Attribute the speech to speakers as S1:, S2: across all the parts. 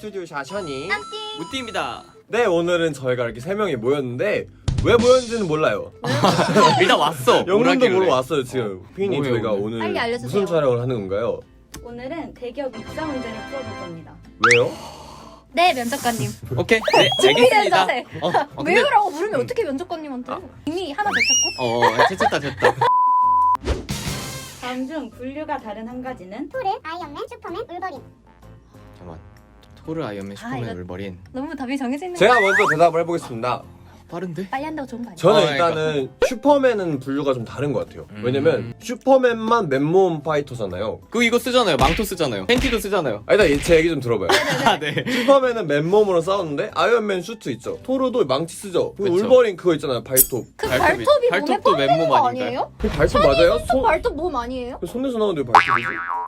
S1: 스튜디오 샤샤니
S2: 무띠입니다.
S1: 네, 오늘은 저희가 이렇게 3명이 모였는데 왜 모였는지는 몰라요.
S2: 일단 왔어.
S1: 영문도 모르고 왔어요 지금. 피디님,
S2: 뭐예요,
S1: 저희가
S2: 오늘?
S1: 오늘
S3: 빨리 알려주세요.
S1: 무슨 촬영을 하는 건가요?
S4: 오늘은 대기업 입사 문제를 풀어볼 겁니다.
S1: 왜요?
S3: 네, 면접관님.
S2: 오케이. 네,
S3: 준비된
S2: 알겠습니다.
S3: 자세.
S2: 근데
S3: 왜요라고 물으면 어떻게 면접관님한테? 이미 하나 제쳤고.
S2: 됐다.
S4: 다음 중 분류가 다른 한 가지는
S5: 토르, 아이언맨, 슈퍼맨, 울버린.
S2: 잠깐만. 토르, 아이언맨, 슈퍼맨,
S3: 이거-
S2: 울버린.
S3: 너무 답이 정해져 있는
S1: 제가 먼저 대답을 해보겠습니다.
S2: 빠른데?
S3: 빨리 한다고 좋은 거 아니야?
S1: 저는
S2: 그러니까.
S1: 일단은 슈퍼맨은 분류가 좀 다른 것 같아요. 왜냐면 슈퍼맨만 맨몸 파이터잖아요.
S2: 이거 쓰잖아요. 망토 쓰잖아요. 팬티도 쓰잖아요.
S1: 일단 제 얘기 좀 들어봐요.
S2: 아, 네.
S1: 슈퍼맨은 맨몸으로 싸우는데 아이언맨 슈트 있죠. 토르도 망치 쓰죠. 그리고
S2: 그쵸.
S1: 울버린 그거 있잖아요. 발톱.
S3: 그
S2: 발톱이-
S3: 발톱이 몸에
S2: 발톱도
S3: 뻗는
S2: 맨몸
S3: 거
S2: 아닌가요?
S3: 아니에요?
S1: 그 발톱 맞아요?
S3: 손 발톱 몸 아니에요?
S1: 손에서 나오는데 왜 발톱이지?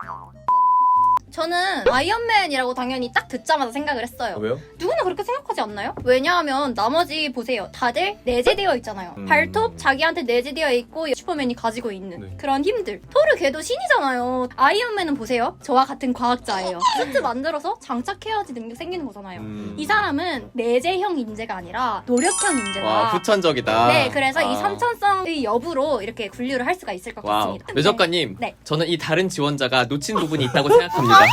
S3: 저는 아이언맨이라고 당연히 딱 듣자마자 생각을 했어요.
S1: 왜요?
S3: 누구나 그렇게 생각하지 않나요? 왜냐하면 나머지 보세요. 다들 내재되어 있잖아요. 발톱 자기한테 내재되어 있고 슈퍼맨이 가지고 있는
S1: 네.
S3: 그런 힘들. 토르 걔도 신이잖아요. 아이언맨은 보세요. 저와 같은 과학자예요. 슈트 만들어서 장착해야지 능력 생기는 거잖아요. 이 사람은 내재형 인재가 아니라 노력형 인재다.
S2: 와, 후천적이다.
S3: 네, 그래서 이
S2: 아.
S3: 선천성의 여부로 이렇게 분류를 할 수가 있을 것
S2: 와우.
S3: 같습니다.
S2: 매적가님,
S3: 네.
S2: 저는 이 다른 지원자가 놓친 부분이 있다고 생각합니다.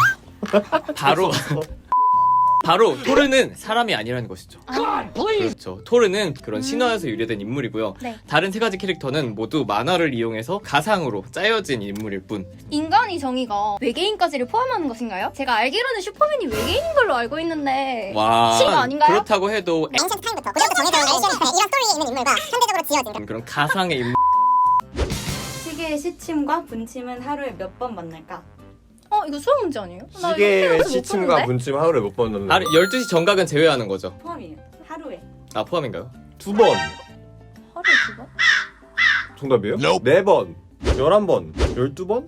S2: 바로 토르는 사람이 아니라는 것이죠. 그렇죠. 토르는 그런 신화에서 유래된 인물이고요.
S3: 네.
S2: 다른 세 가지 캐릭터는 모두 만화를 이용해서 가상으로 짜여진 인물일 뿐.
S3: 인간의 정의가 외계인까지를 포함하는 것인가요? 제가 알기로는 슈퍼맨이 외계인인 걸로 알고 있는데
S2: 와,
S3: 실화 아닌가요?
S2: 그렇다고 해도
S5: 앵션 타임부터 고전부터 정해져 있는 이런 스토리에 있는 인물과 현대적으로 지어진
S2: 그런 가상의 인물.
S4: 시계의 시침과 분침은 하루에 몇 번 만날까?
S3: 이거 수학 문제 아니에요? 나 이거
S1: 시계의
S3: 태어나서 못
S1: 시침과
S3: 푸는데?
S1: 분침 하루에 몇 번 넣는
S2: 하루 12시 정각은 제외하는 거죠.
S4: 포함이에요. 하루에.
S2: 아, 포함인가요?
S1: 2번.
S3: 하루에 두 번?
S1: 정답이에요? 4번. 11번. 12번?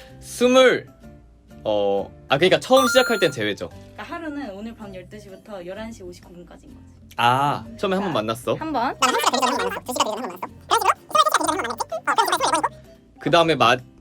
S2: 그러니까 처음 시작할 땐 제외죠.
S4: 그러니까 하루는 오늘 밤 12시부터 11시 59분까지인 거지.
S2: 아, 처음에 한 번 만났어.
S3: 한 번?
S5: 나는 1시가 되기 전에 한번 만났어. 2시가 되기 전에 한번 만났어. 그런 식으로 생활이 되기 전에 한번 만났겠지?
S2: 그 다음에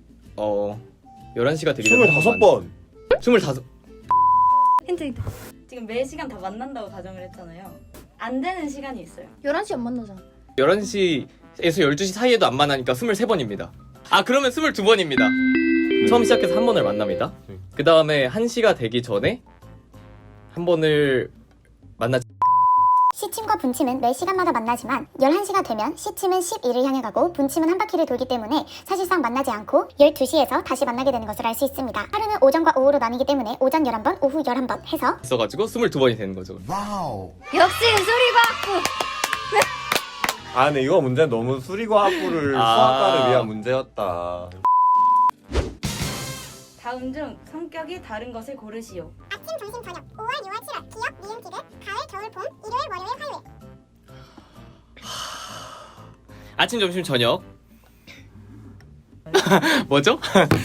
S2: 11시가 되기 전에
S1: 25번.
S2: 25.
S3: 힌트.
S4: 지금 매 시간 다 만난다고 가정을 했잖아요. 안 되는 시간이 있어요.
S3: 11시 안 만나잖아.
S2: 11시에서 12시 사이에도 안 만나니까 23번입니다. 아, 그러면 22번입니다. 처음 시작해서 한 번을 만납니다.
S1: 네.
S2: 그 다음에 1시가 되기 전에 한 번을 만나지.
S5: 시침과 분침은 매 시간마다 만나지만 11시가 되면 시침은 12를 향해 가고 분침은 한 바퀴를 돌기 때문에 사실상 만나지 않고 12시에서 다시 만나게 되는 것을 알 수 있습니다. 하루는 오전과 오후로 나뉘기 때문에 오전 11번, 오후 11번 해서
S2: 있어가지고 22번이 되는 거죠.
S3: 역시 수리과학부!
S1: 아, 근데 이거 문제는 너무 수리과학부를 수학과를 위한 문제였다.
S4: 다음 중 성격이 다른 것을 고르시오.
S5: 아침, 점심, 저녁 5월, 6월, 7월 기억, 니은, 티귿 가을, 겨울, 봄 일요일, 월요일, 화요일
S2: 아침, 점심, 저녁. 뭐죠?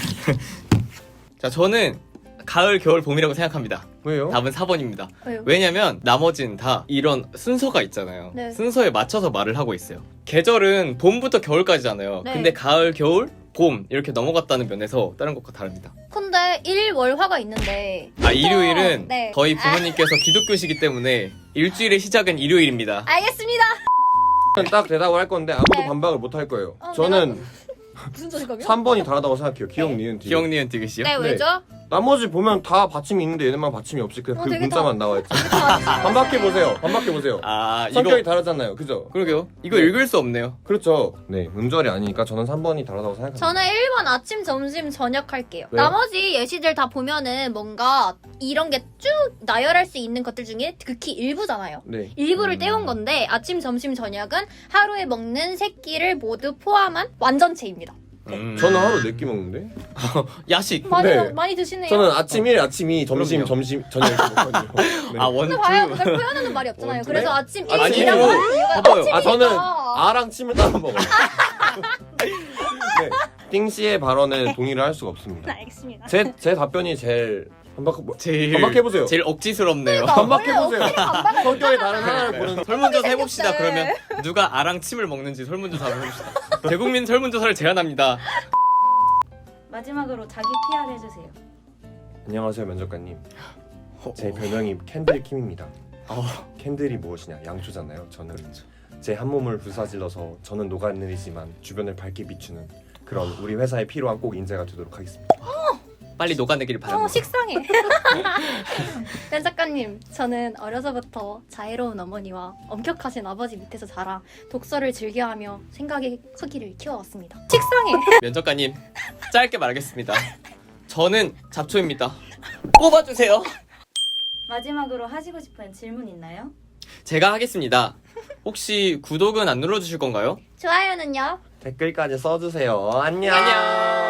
S2: 자, 저는 가을, 겨울, 봄이라고 생각합니다.
S1: 왜요?
S2: 답은 4번입니다.
S3: 왜요?
S2: 왜냐면 나머지는 다 이런 순서가 있잖아요.
S3: 네.
S2: 순서에 맞춰서 말을 하고 있어요. 계절은 봄부터 겨울까지잖아요.
S3: 네.
S2: 근데 가을, 겨울, 봄 이렇게 넘어갔다는 면에서 다른 것과 다릅니다.
S3: 근데 일월화가 있는데
S2: 일요일은
S3: 네.
S2: 저희 부모님께서 기독교시기 때문에 일주일의 시작은 일요일입니다.
S3: 알겠습니다.
S1: 딱 대답을 할 건데 아무도
S3: 네.
S1: 반박을 못 할 거예요.
S3: 어,
S1: 저는
S3: 무슨 소리가요?
S1: 3번이 다르다고 생각해요. 기억, 니은, 뒤.
S2: 기억, 니은, 디귿이요?
S3: 네, 왜죠?
S1: 나머지 보면 다 받침이 있는데 얘네만 받침이 없이 그냥 그
S3: 되게
S1: 문자만 나와 있지. 반박해보세요. 반박해보세요.
S2: 아,
S1: 성격이
S2: 이거
S1: 다르잖아요. 그죠?
S2: 그러게요. 이거 읽을 수 없네요.
S1: 그렇죠. 네, 음절이 아니니까 저는 3번이 다르다고 생각합니다.
S3: 저는 1번 아침, 점심, 저녁 할게요.
S1: 왜요?
S3: 나머지 예시들 다 보면은 뭔가 이런 게 쭉 나열할 수 있는 것들 중에 극히 일부잖아요.
S1: 네.
S3: 일부를 떼온 건데 아침, 점심, 저녁은 하루에 먹는 세 끼를 모두 포함한 완전체입니다.
S1: 저는 하루 4끼 먹는데?
S2: 야식.
S3: 많이,
S1: 네.
S3: 많이 드시네요.
S1: 저는 아침 1, 아침 2, 점심,
S2: 그럼요.
S1: 점심, 저녁 이렇게 먹거든요. 네.
S2: 아, 원,
S3: 근데
S2: 투.
S3: 봐요. 그걸 표현하는 말이 없잖아요.
S1: 원투?
S3: 그래서 아침
S1: 아니,
S3: 1이라고
S1: 아니요.
S3: 하는 이유가
S2: 봐봐요.
S3: 아침이니까.
S1: 아, 저는 아랑 침을 따라 먹어요. 네. 띵씨의 발언에 동의를 할 수가 없습니다.
S3: 알겠습니다.
S1: 제 답변이 제일
S2: 제일
S1: 반박해보세요.
S2: 제일 억지스럽네요.
S1: 반박해보세요.
S3: 반박을
S1: 성격이 다른 하나를 보는
S2: 설문조사 해봅시다. 그러면 누가 아랑 침을 먹는지 설문조사 한번 해봅시다. 대국민 설문조사를 제안합니다.
S4: 마지막으로 자기 PR 해주세요.
S1: 안녕하세요, 면접관님. 제 별명이 캔들 킴입니다.
S2: 어,
S1: 캔들이 무엇이냐? 양초잖아요. 저는
S2: 그렇죠.
S1: 제 한 몸을 불사질러서 저는 녹아내리지만 주변을 밝게 비추는 그런 우리 회사에 필요한 꼭 인재가 되도록 하겠습니다.
S2: 빨리 녹아내기를 바랍니다.
S3: 식상해. Ben 작가님, 저는 어려서부터 자애로운 어머니와 엄격하신 아버지 밑에서 자라 독서를 즐겨하며 생각의 크기를 키워왔습니다. 식상해.
S2: 면접관님, 짧게 말하겠습니다. 저는 잡초입니다. 뽑아주세요.
S4: 마지막으로 하시고 싶은 질문 있나요?
S2: 제가 하겠습니다. 혹시 구독은 안 눌러주실 건가요?
S3: 좋아요는요?
S1: 댓글까지 써주세요. 안녕.
S2: 안녕.